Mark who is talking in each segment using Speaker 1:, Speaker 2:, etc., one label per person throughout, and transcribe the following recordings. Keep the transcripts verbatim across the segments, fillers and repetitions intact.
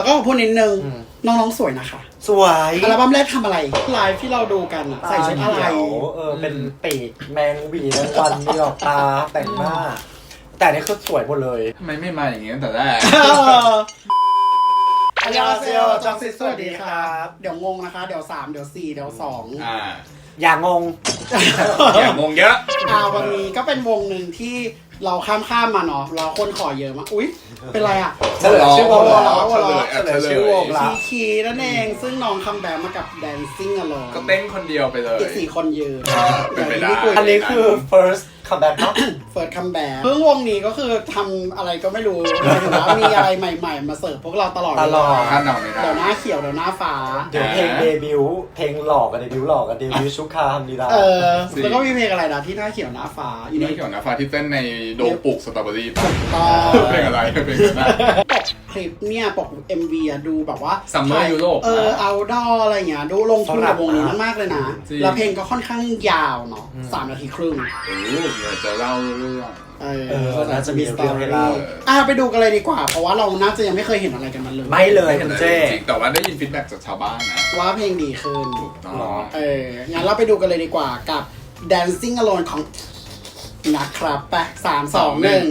Speaker 1: แล้วก็พูดนิดนึงน้องๆสวยนะคะ
Speaker 2: สวย
Speaker 1: อัลบั้มแรกทำอะไรไลฟ์ที่เราดูกันอะใส่ชุดอะไร
Speaker 2: เออเป็นปีกแมงวีแมงวันมีหลอกตาแต่งหน้าแต่นี่คือสวยหมดเลย
Speaker 3: ทำไมไม่มาอย่างงี้ตั้งแต่แรก
Speaker 1: อันยาเซลจองซิสสวัสดีครับเดี๋ยวงงนะคะเดี๋ยวสามเดี๋ยวสี่เดี๋ยวสอง
Speaker 3: อ่า
Speaker 2: อย่างงง
Speaker 3: อย่างงงเยอะ
Speaker 1: อ่าวันนี้ก็เป็นวงหนึ่งที่เราข้ามข้ามมาเนาะเราคนขอเยอะมากอุ๊ยเป็นไรอ่ะ
Speaker 2: เฉลยชื่อวงเรา
Speaker 1: เฉ
Speaker 2: ลยชื่อวงเรา
Speaker 1: ทีคีนั่นเองซึ่งน้องคัมแบ็กมากับ Dancing Alone
Speaker 3: ก็เต้นคนเดียวไปเลย
Speaker 1: อีกสี่คนยืน
Speaker 3: เป็นไปได้
Speaker 2: อันนี้คือ first comeback เนาะ
Speaker 1: first comeback เพิ่งวงนี้ก็คือทำอะไรก็ไม่รู้ถือว่ามีอะไรใหม่ๆมาเสิร์ฟพวกเราตลอด
Speaker 2: ตลอด
Speaker 3: คาดเดาไม่ได้
Speaker 1: เดี๋ยวหน้าเขียวเดี๋ยวหน้าฟ้า
Speaker 2: เดี๋ยวเพลงเดบิวต์เพลงหลอกกับเดบิวต์หลอกกับเดบิวต์ชุกคาฮัมดีดา
Speaker 1: เออแล้วก็มีเพลงอะไรนะที่หน้าเขียวหน้าฟ้า
Speaker 3: อีนี่เขียวหน้าฟ้าที่เต้นในโดมปลูกสตรอเบอรี่เพลงอะไรเพลงอะไร
Speaker 1: ปกคลิปเนี่ยปก เอ็ม วี อะดูแบบว่า
Speaker 3: ซัมเมอร์ยุโรป
Speaker 1: เออเอาดออะไรเงี้ยดูลงทุนกับวงนี้มากเลยนะแล้วเพลงก็ค่อนข้างยาวเนาะสามนาทีครึ่ง
Speaker 3: โอ้เดี๋ยวจะเล่าเรื่อง
Speaker 1: เออ
Speaker 2: น่าจะมีสตอรี่เล่า
Speaker 1: อ่ะไปดูกันเลยดีกว่าเพราะว่าเราน่าจะยังไม่เคยเห็นอะไรกันมาเลย
Speaker 2: ไม่เลยคุณเจ
Speaker 3: จริงแต่ว่าได้ยินฟีดแบ็กจากชาวบ้านนะ
Speaker 1: ว่าเพลงดีขึ้น
Speaker 3: ถูกต้อง
Speaker 1: เอองั้นเราไปดูกันเลยดีกว่ากับ Dancing Alone ของนะครับไปสามสองหนึ่ง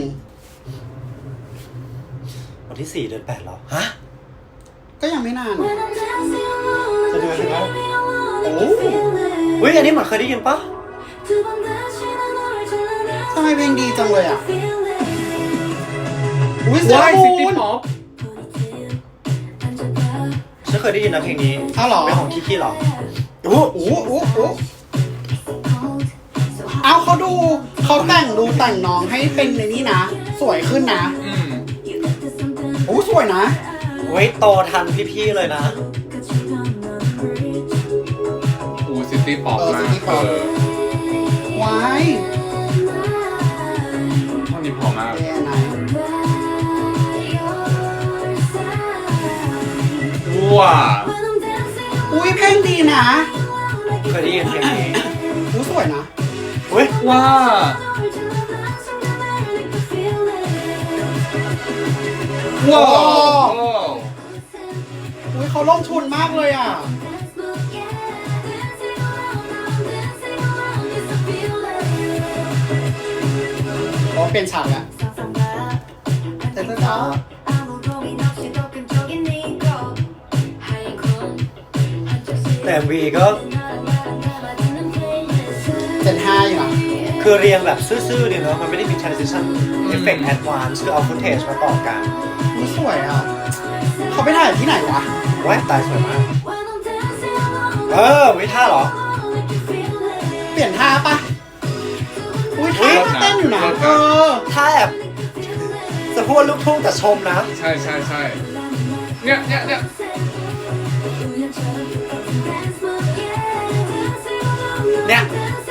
Speaker 2: วันที่สี่เดือนแปดแล้วฮะ
Speaker 1: ก็ยังไม่นาน
Speaker 2: จะเดือนไหม
Speaker 1: โอ้
Speaker 2: อุ้ยอันนี้เหมือนเคยได้ยินปะ
Speaker 1: ทำไมเพลงดีจังเลยอ่ะอุ้ย
Speaker 3: Why City Pop
Speaker 2: ฉันเคยได้ยินนะเพลงนี้
Speaker 1: อ้าวเหรอ
Speaker 2: เป็นของคิคิหรอ
Speaker 1: โอ้โหโอ้โหเอาเขาดูเขาแต่งดูแต่งน้องให้เป็นในนี้นะสวยขึ้นนะ
Speaker 3: อืม
Speaker 1: โอ้สวยนะ
Speaker 2: เว้ยโตทันพี่ๆเลยนะ
Speaker 3: อู City Pop มากเออ
Speaker 1: ว้าย
Speaker 3: ท่อนนี้พอมากว้า
Speaker 1: อุ้ยเพลงดีนะ
Speaker 2: เคยได้ยินเพลงนี้
Speaker 1: อู้สวยนะ
Speaker 2: เว้ย
Speaker 3: ว้าว้าว
Speaker 1: อุ้ยเขาลงทุนมากเลยอ่ะโอ้เป็นฉากแล้วเต้นจ้า
Speaker 2: แต่ เอ็ม วี ก็
Speaker 1: เป็นห้าอยู่นะ
Speaker 2: คือเรียงแบบซื่อๆดีเนาะมันไม่ได้มี transition effect advance คือเอา footage มาต่อกัน
Speaker 1: อุ้ยสวยอ่ะเขาไปถ่ายที่ไหนวะ
Speaker 2: ว้ายตายสวยมากเออวิท่าเหรอ
Speaker 1: เปลี่ยนท่าปะอุ้ยท่าเต้นอยู่นะเออ
Speaker 2: ท่าแบบจะพูดลูกทุ่งแต่ชมนะ
Speaker 3: ใช่ใช่ใช่เนี่ยเนี่ยเนี่ย
Speaker 2: เนี่ย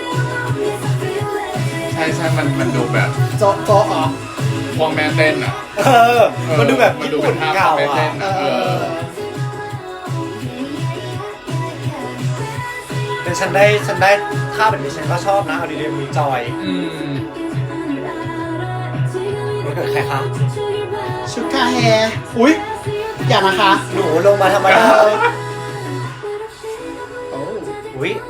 Speaker 3: ใช่ใช่มันมันดูแบบ
Speaker 1: โจ๊ะโจ๊ะเหรอ
Speaker 3: พวงแม่เต้นอ่ะ
Speaker 2: เออมันดูแบบญี่ปุ่นเก่าอ่ะ
Speaker 1: เออ
Speaker 2: เป็นฉันได้ฉันได้ท่าแบบนี้ฉันก็ชอบนะเอาดีๆมีจอย
Speaker 3: อืม
Speaker 2: มันเกิดใครคะ
Speaker 1: ชุดคาแฮอุ้ยอย่านะคะ
Speaker 2: หนูลงมาทำไมโอ้อุ้ย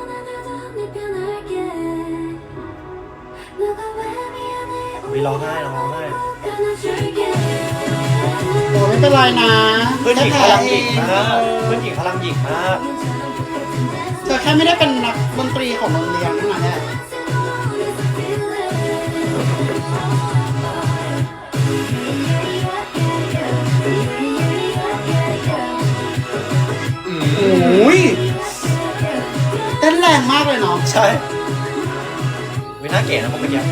Speaker 2: มีร้องไห้ร้องไห้
Speaker 1: โอ้ไม่เป็นไรนะ
Speaker 2: เพื่อนหญิงพลังหญิงมากเพื่อนหญิงพลังหญิงมาก
Speaker 1: เธอแค่ไม่ได้เป็นนักดนตรีของโรงเรียนนั่นแหละโอ้ยเต้นแรงมากเลยเนาะ
Speaker 2: ใช่วิน่าเก๋นะผมเมื่อกี้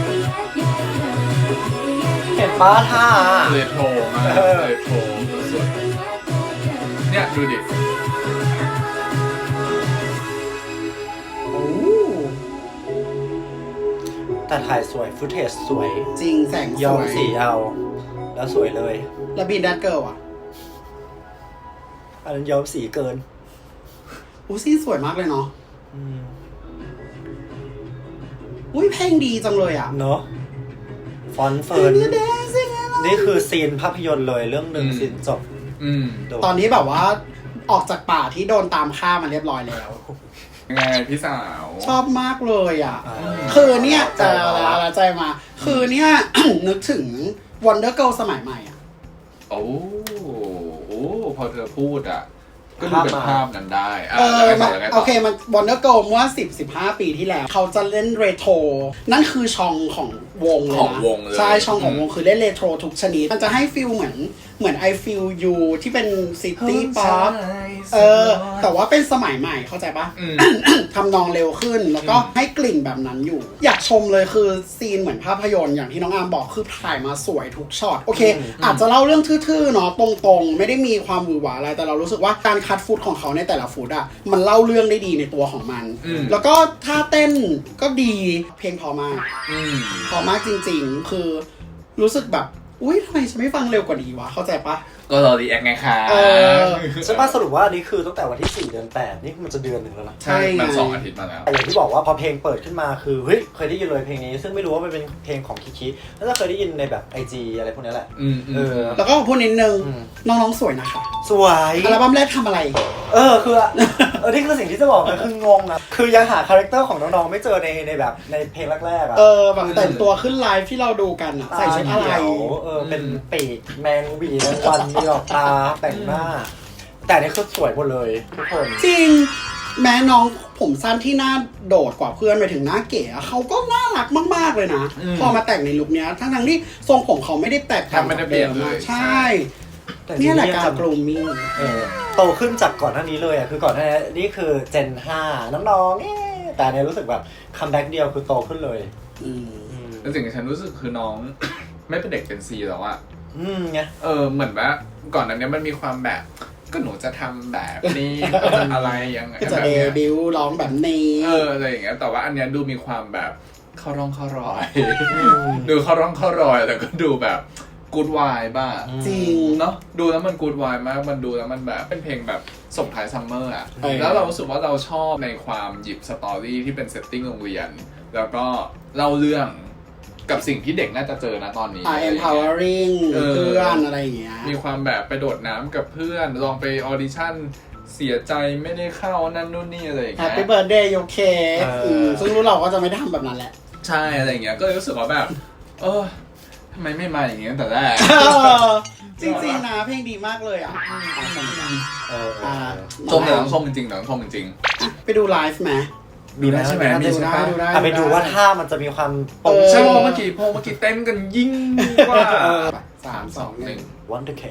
Speaker 2: เห็นป้าท่า
Speaker 3: เรโทรมากเรโทรสวยเนี่ยดูดิ
Speaker 2: โอ้แต่ถ่ายสวยฟุตเทจสวย
Speaker 1: จริงแสงสวย
Speaker 2: ย้อมสีเอาแล้วสวยเลย
Speaker 1: แล้วบีนดัตเกิลอ่ะ
Speaker 2: อันนั้นย้อมสีเกิน
Speaker 1: อู้ซี่สวยมากเลยเนาะอุ้ยเพลงดีจังเลยอ่ะ
Speaker 2: เนาะฟอนเฟิร์นนี่คือซีนภาพยนตร์เลยเรื่องหนึ่งซีนจบ
Speaker 3: อืม
Speaker 1: ตอนนี้แบบว่าออกจากป่าที่โดนตามฆ่ามันเรียบร้อยแล้ว
Speaker 3: ยังไงพี่สาว
Speaker 1: ชอบมากเลยอ่ะ
Speaker 2: อ่า
Speaker 1: คือเนี่ย
Speaker 2: ใจ
Speaker 1: จะ
Speaker 2: มา
Speaker 1: ละใจมา คือเนี่ย นึกถึง Wonder Girl สมัยใหม่อ่ะ
Speaker 3: โอ้โอ้พอเธอพูดอ่ะ ก็ดูเป็นภาพนั้นได้อ่ะ
Speaker 1: เออ
Speaker 3: แล้วไงต่
Speaker 1: มัน
Speaker 3: อแล้วไงต่
Speaker 1: โอเคมัน Wonder Girl เมื่อสิบ สิบห้า ปีที่แล้ว เขาจะเล่นเรโทร นั่นคือช่องของวงเลย
Speaker 3: ของ
Speaker 1: นะ
Speaker 3: วงเลย
Speaker 1: ใช่ ช่องของวงคือเล่นเรโทรทุกชนิด มันจะให้ฟิลเหมือนเหมือน I Feel You ที่เป็นซิตี้ป๊อป เออ แต่ว่าเป็นสมัยใหม่เข้าใจปะ
Speaker 3: อืม
Speaker 1: ทำนองเร็วขึ้นแล้วก็ให้กลิ่นแบบนั้นอยู่ อยากชมเลยคือซีนเหมือนภาพยนตร์อย่างที่น้องอาร์มบอกคือถ่ายมาสวยทุกช็อตโอเค อาจจะเล่าเรื่องทื่อๆเนาะตรงๆ ไม่ได้มีความหวือหวาอะไรแต่เรารู้สึกว่าการคัดฟุตของเขาในแต่ละฟุตอะมันเล่าเรื่องได้ดีในตัวของมัน
Speaker 3: อืม
Speaker 1: แล้วก็ท่าเต้นก็ดีเพลงพอมาก
Speaker 3: อืม
Speaker 1: พอมากจริงๆ คือรู้สึกแบบอุ้ยทำไมฉันไม่ฟังเร็วกว่านี้วะเข้าใจปะ
Speaker 3: ก็รอรีแอคไงคะ
Speaker 1: เออ
Speaker 2: ใช่ป่ะสรุปว่าอันนี้คือตั้งแต่วันที่สี่เดือนแปดนี่มันจะเดือนหนึ่งแล้วนะ
Speaker 1: ใช่ไง
Speaker 3: มันสองอาทิตย์มาแล้ว
Speaker 2: แต่อย่างที่บอกว่าพอเพลงเปิดขึ้นมาคือเฮ้ยเคยได้ยินเลยเพลงนี้ ซึ่งไม่รู้ว่ามันเป็นเพลงของคิคิแล้วก็เคยได้ยินในแบบ ไอ จี อะไรพวกนี้แหละ
Speaker 3: อืมอืม
Speaker 2: เออ
Speaker 1: แล้วก็พูดนิดนึง
Speaker 2: อืม
Speaker 1: น้องๆสวยนะคะ
Speaker 2: สวย
Speaker 1: อัลบั้มแรกทำอะไร
Speaker 2: เออคือเออนี่คือสิ่งที่จะบอกนะคืองงนะคือยังหาคาแรคเตอร์ของน้องๆไม่เจอในในแบบในเพลงแรกๆอ่ะ
Speaker 1: เออแบบแต่งตัวขึ้นไลฟ์ที่เราดูกันอะใส่ชุดอะไร
Speaker 2: ตาเขียวเออเป็นปีกแมงหวีแมงวันมีหลอกตาแต่งหน้า แต่อันนี่คือสวยหมดเลยทุกคน
Speaker 1: จริง แม้น้องผมสั้นที่หน้าโดดกว่าเพื่อนไปถึงหน้าเก๋อะเขาก็น่ารักมากๆเลยนะ
Speaker 3: อืม
Speaker 1: พอมาแต่งในลุคเนี้ยทั้งทั้งๆที่ทรงผมเขาไม่ได้แตกต่าง
Speaker 3: ไม่ได้
Speaker 1: จาก
Speaker 3: เปลี่
Speaker 1: เดิ
Speaker 3: ยน
Speaker 1: ม
Speaker 3: เลย
Speaker 1: อะใช่
Speaker 2: แต่
Speaker 1: เนี่ยแหละการ
Speaker 2: จำ
Speaker 1: กรูมมิ่ง
Speaker 2: เออโตขึ้นจากก่อนหน้านี้เลยอ่ะคือก่อนหน้านี้นี่คือเจนห้าน้องๆเอ๊ะแต่อันเนี่ยรู้สึกแบบคัมแบ็กเดียวคือโตขึ้นเลย
Speaker 1: อืม
Speaker 2: อืม
Speaker 3: แล้วสิ่งที่ฉันรู้สึกคือน้อง ไม่เป็นเด็กเป็นซีแล้วอะ
Speaker 2: อืมไง
Speaker 3: เออเหมือนว่าก่อนหนั้นเนี้ยมันมีความแบบ ก็หนูจะทำแบบนี้ ก็จะอะไรยังไง
Speaker 1: ก็จะ
Speaker 3: แบบ
Speaker 1: เด
Speaker 3: เนี้ย
Speaker 1: บิวต์ร้องแบบนี้
Speaker 3: เอออะไรอย่างเงี้ยแต่ว่าอันเนี้ยดูมีความแบบเข้าร่องเข้ารอย ดูเข้าร่องเข้ารอยแต่ก็ดูแบบกูดวายบ้า
Speaker 1: จริง
Speaker 3: เนาะดูแล้วมันกูดวายมากมันดูแล้วมันแบบเป็นเพลงแบบส่งท้ายซัมเมอร์อะ
Speaker 1: เออ
Speaker 3: แล้วเรารู้สึกว่าเราชอบในความหยิบสตอรี่ที่เป็นเซตติ้งโรงเรียน แล้วก็เล่าเรื่องกับสิ่งที่เด็กน่าจะเจอนะตอนนี้
Speaker 1: อ่า empowering
Speaker 3: เออ
Speaker 1: เพื่อนอะไรอย่างเงี้ย
Speaker 3: มีความแบบไปโดดน้ำกับเพื่อน ลองไปออดิชั่นเสียใจไม่ได้เข้านั่นนู่นนี่อะไรอย่างเงี้ย
Speaker 1: Happy birthday โอเค
Speaker 2: เอออื
Speaker 1: มซึ่งรู้เราก็จะไม่ทำแบบนั้นแหละ
Speaker 3: ใช่อะไรอย่างเงี้ยก็เลยรู้สึกว่าแบบ เออทำไมไม่มาอย่างเงี้ยตั้งแต่แรก
Speaker 1: จริงๆนะเพลงดีมากเลยอ่ะอ่ะชมกัน
Speaker 2: เออเออ
Speaker 1: อ่า
Speaker 3: ชมแต่ต้องชมจริงๆแต่ต้องชมจริง
Speaker 1: อ่ะไปดูไลฟ์ไหม
Speaker 3: ๆดูได้ใช่ไหมมี
Speaker 1: ดู
Speaker 3: ใช่
Speaker 1: ได้
Speaker 3: ปะ
Speaker 1: ดูได้
Speaker 2: อ่ะไปดูว่าท่ามันจะมีความปง
Speaker 1: เออ
Speaker 3: ใช่เพราะเมื่อกี้เพราะเมื่อกี้เต้นกันยิ่งกว่า
Speaker 1: สามสองหนึ่ง
Speaker 2: Wonder K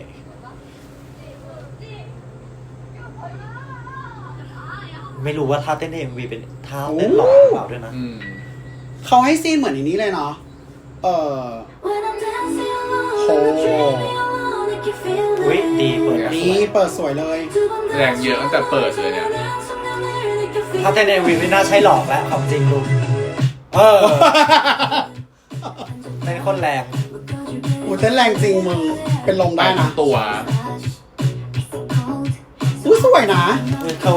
Speaker 2: ไม่รู้ว่าท่าเต้นใน เอ็ม วี เป็นท่าเต้นหล่อหรือเปล่าด้วยนะ
Speaker 3: อืม
Speaker 1: เขาให้ซีนเหมือนอย่างนี้เลยเนาะเออ
Speaker 4: โอ้
Speaker 2: อุ๊ยดีเปิด
Speaker 1: นี่เปิดสวยเลย
Speaker 3: แรงเยอะตั้งแต่เปิดเลยเนี่ย
Speaker 2: ท่าเต้นใน เอ็ม วี ไม่น่าใช่หลอกแล้วความจริงลุงเออเป็นคนแรง
Speaker 1: อูเต้นแรงจริงมึงเป็นลม
Speaker 3: ไป
Speaker 1: ได้
Speaker 3: ทั้
Speaker 1: นะ
Speaker 3: งตัว
Speaker 1: อุ้ยสวยนะ
Speaker 2: คือเขา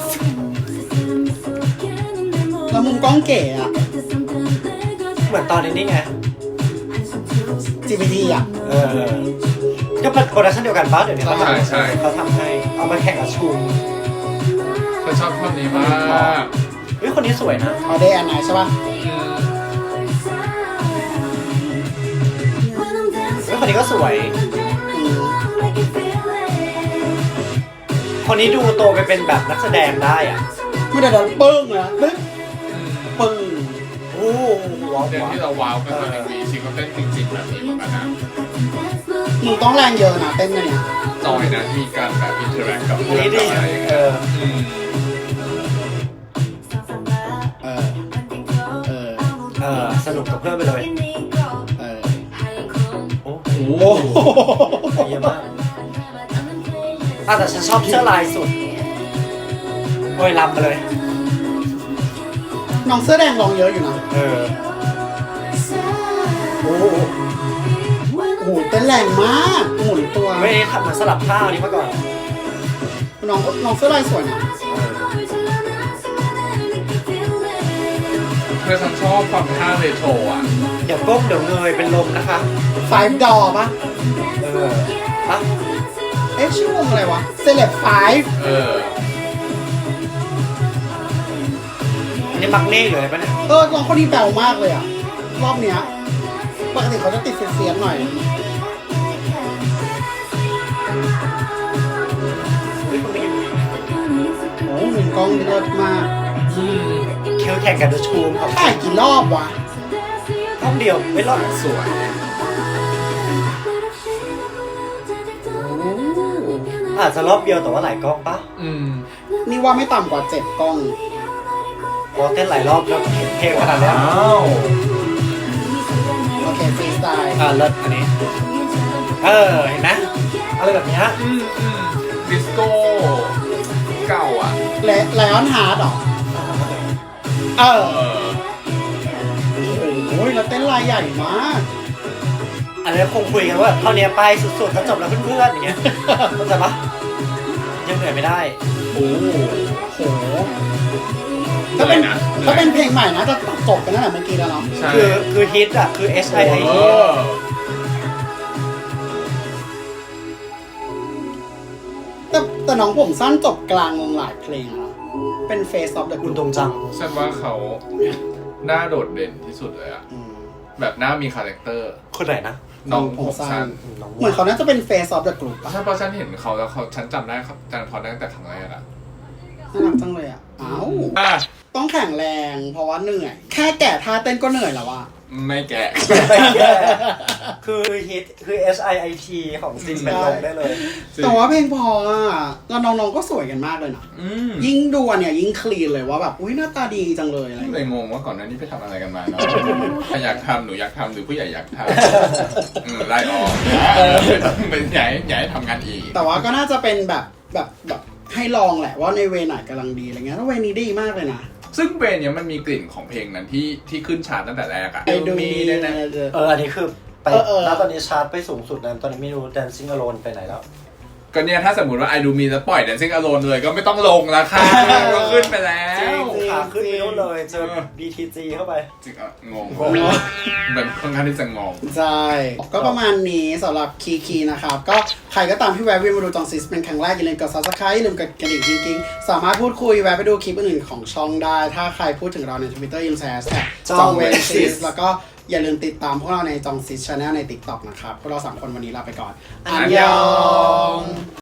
Speaker 1: แล้วมุมกล้องเก๋อะ
Speaker 2: เหมือนตอนนี้นี่ไง
Speaker 1: จี พี ที อะ
Speaker 2: เออ ก็เป็นโปรดักชั่นเดียวกันป้าเดี๋ยวนี้เขาทำ
Speaker 3: ใช่ใช่
Speaker 2: เขาทำให้ เอามาแข่งกับชูม
Speaker 3: ฉันชอบท่อนนี้มาก
Speaker 2: เฮ้ยคนนี้สวยนะ
Speaker 1: เอาเดย์อันไหนใช่ป่ะ
Speaker 3: อืม
Speaker 2: เฮ้ยคนนี้ก็สวย
Speaker 1: อืม
Speaker 2: คนนี้ดูโตไปเป็นแบบนักแสดงได้อ่ะ
Speaker 1: ไม่ได้ดันปึ้งนะปึ๊บปึ้ง
Speaker 2: โอ้ว้าว
Speaker 3: เต้น
Speaker 2: ว้าว
Speaker 3: ที่เราว้าวกันตอนเอ็มวีชิคก็เต้นจริงๆแบบนี้เหมือนกันนะ
Speaker 1: มึงต้องแรงเยอะนะเต้นกันเนี่ย
Speaker 3: จอยนะมีการแบบอินเทอร์แอคกับ
Speaker 2: อั
Speaker 3: เพื่
Speaker 2: น
Speaker 3: อน
Speaker 2: นี้
Speaker 3: กั
Speaker 2: ดี
Speaker 3: บอะไรอย่าง
Speaker 2: เอ
Speaker 3: เงี้ย
Speaker 2: อ
Speaker 3: อืม
Speaker 1: เออ เออ
Speaker 2: เออ สนุกกับเพื่อนไปเลย
Speaker 1: เออ
Speaker 2: โอ้
Speaker 3: โอ้โห
Speaker 2: เยี่ยมมากอ่ะแต่ฉันชอบเสื้อลายสุด โอ้ยลำไปเลย
Speaker 1: น้องเสื้อแดงลองเยอะอยู่นะ
Speaker 2: เออ โอ้โห
Speaker 1: โอ้โหเต้นแรงมากหมุนตัว
Speaker 2: ไม่ได้ทำเหมือนสลับท่าอันนี้มาก่อน
Speaker 1: น้องน้องเสื้อลายสวยนะ
Speaker 3: เพื่อฉันชอบความท่าเรโทรอ่ะ
Speaker 2: เดี๋ยวก้มเดี๋ยวเงยเป็นลมนะคะ
Speaker 1: ไฟดอป่ะ
Speaker 2: เออปะ
Speaker 1: เอ๊ะเอ๊ะชื่อวงอะไรวะเซเลบไฟ
Speaker 3: เออ
Speaker 2: อันนี้มักเน่อยู่เลยปะเนี่ย
Speaker 1: เออลองคนนี้แบวมากเลยอ่ะ รอบเนี้ยปกติเขาจะติดเสียนๆหน่อย โอ้มุมกล้องเลิศมาก
Speaker 2: คิวแข่งกันดูชูมของ
Speaker 1: ถ่ายกี่รอบวะ
Speaker 2: ห้องเดียวไม่รอด
Speaker 3: สวย
Speaker 2: อาจจะรอบเดียวแต่ว่าหลายกล้องปะ
Speaker 3: อืม
Speaker 1: นี่ว่าไม่ต่ำกว่าเจ็ดกล้อง
Speaker 2: พอเต้นหลายรอบแล้วเห็นเพลงขนาดนี้
Speaker 3: อ้าว
Speaker 1: โอเคฟรีสไตล์
Speaker 2: อ่าเลิศอันนี้ เออเห็นไหมอะไรแบบเนี้ย
Speaker 3: อืมอืมดิสโก้เก่าอ่ะ
Speaker 1: และไลออนฮาร์ดหรอ เออ
Speaker 3: เออ
Speaker 1: โอ้ยแล้วเต้นลายใหญ่มาก
Speaker 2: อันนี้คงคุยกันว่าเท่านี้ไปสุดๆแล้วจบแล้วเพื่อนๆอย่างเงี้ยเข้าใจปะยังเหนื่อยไม่ได้
Speaker 3: โอ้
Speaker 1: โหถ้าเป็น
Speaker 3: นะ
Speaker 1: ถ้าเป็นเพลงใหม่นะจะจบกันตั้งแต่เมื่อกี้แล้วเนาะ
Speaker 3: ใช่
Speaker 2: คือคือฮิตอ่ะคือ S I I
Speaker 3: เอ
Speaker 2: T
Speaker 3: อ
Speaker 1: แต่แต่น้องผมสั้นจบกลางวงหลายเพลงนะเป็น Face of the
Speaker 2: คุณ
Speaker 1: Group
Speaker 2: ตรงจัง
Speaker 3: ฉันว่าเขาหน้าโดดเด่นที่สุดเลยอะ
Speaker 1: อืม
Speaker 3: แบบหน้ามีคาแรคเตอร์
Speaker 2: คนไหนนะ
Speaker 3: น้อง
Speaker 1: ผ
Speaker 3: ผม ม
Speaker 1: สั้
Speaker 3: สั้
Speaker 1: น
Speaker 3: น
Speaker 2: น้อง
Speaker 1: เหมือนเขาน่าจะเป็น Face of the Group ปะ
Speaker 3: ใช่เพราะฉันเห็นเขาแล้วเขาฉันจำได้ครับจันพอได้ตั้งแต่ครั้งแรกอะ
Speaker 1: น่ารักจังเลยอ่ะอ้าว
Speaker 3: อ่ะ
Speaker 1: ต้องแข็งแรงเพราะว่าเหนื่อย แค่แก่ท่าเต้นก็เหนื่อยแล้วอะ
Speaker 3: ไม่แกะ
Speaker 2: คือฮิตคือ S I I T ของจริงเป็นลงได้เลย
Speaker 1: แต่ว่าเพลงพออะแล้วน้องๆก็สวยกันมากเลยนะ
Speaker 3: อืม
Speaker 1: ยิ่งดูอันเนี่ยยิ่งคลีนเลยว่าแบบอุ้ยหน้าตาดีจังเลยอะไรอย่าง
Speaker 3: เล
Speaker 1: เงี้ย
Speaker 3: ยงงว่าก่อนหน้านี้ไปทำอะไรกันมาเนาะใครอยากทำหนูอยากทำหรือผู้ใหญ่อยากทำอืมไล่ออกเป็นใหญ่ใหญ่ทำงานอีก
Speaker 1: แต่ว่าก็น่าจะเป็นแบบแบบแบบให้ลองแหละว่าในเวไหนกำลังดีอะไรเงี้ยแล้วเวนี้ดีมากเลยนะ
Speaker 3: ซึ่งเบนเนี่ยมันมีกลิ่นของเพลงนั้นที่ที่ขึ้นชาร์ตตั้งแต่แรกอะ
Speaker 1: ไอดู
Speaker 3: มี
Speaker 1: มี
Speaker 3: ด้วยนะ
Speaker 2: เอออันนี้คือไป
Speaker 1: เออเออ
Speaker 2: แล้วตอนนี้ชาร์ตไปสูงสุดนะตอนนี้ไม่รู้ Dancing Alone ไปไหนแล้ว
Speaker 3: ก็เนี่ยถ้าสมมติว่าไอดูมีแล้วปล่อย Dancing Alone เลยก็ไม่ต้องลงแล้วค่ะก็ขึ้นไปแล้
Speaker 2: จริ
Speaker 3: ว
Speaker 2: งขาขึ้นไปนู่นเลยเจอ
Speaker 3: เออ
Speaker 2: B T G เข้าไป
Speaker 3: จริงอ่ะงง
Speaker 2: งง
Speaker 3: แบบค่อนข้างที่จะงง
Speaker 1: ใช่ ก็ประมาณนี้สำหรับคีคีนะครับ ก็ใครก็ตามที่แวะเวียนมาดูจองซิสเป็นครั้งแรกอย่าลืมกด ซับสไครบ์ อย่าลืมกดกระดิ่งกิ๊งๆสามารถพูดคุยแวะไปดูคลิปอื่นๆของช่องได้ ถ้าใครพูดถึงเราใน Twitter ยิมแชร์แท็กจองเวนซิสแล้วก็อย่าลืมติดตามพวกเราในจองซิสชาแนลใน TikTok นะครับพวกเราสามคนวันนี้ลาไปก่อน อันยอง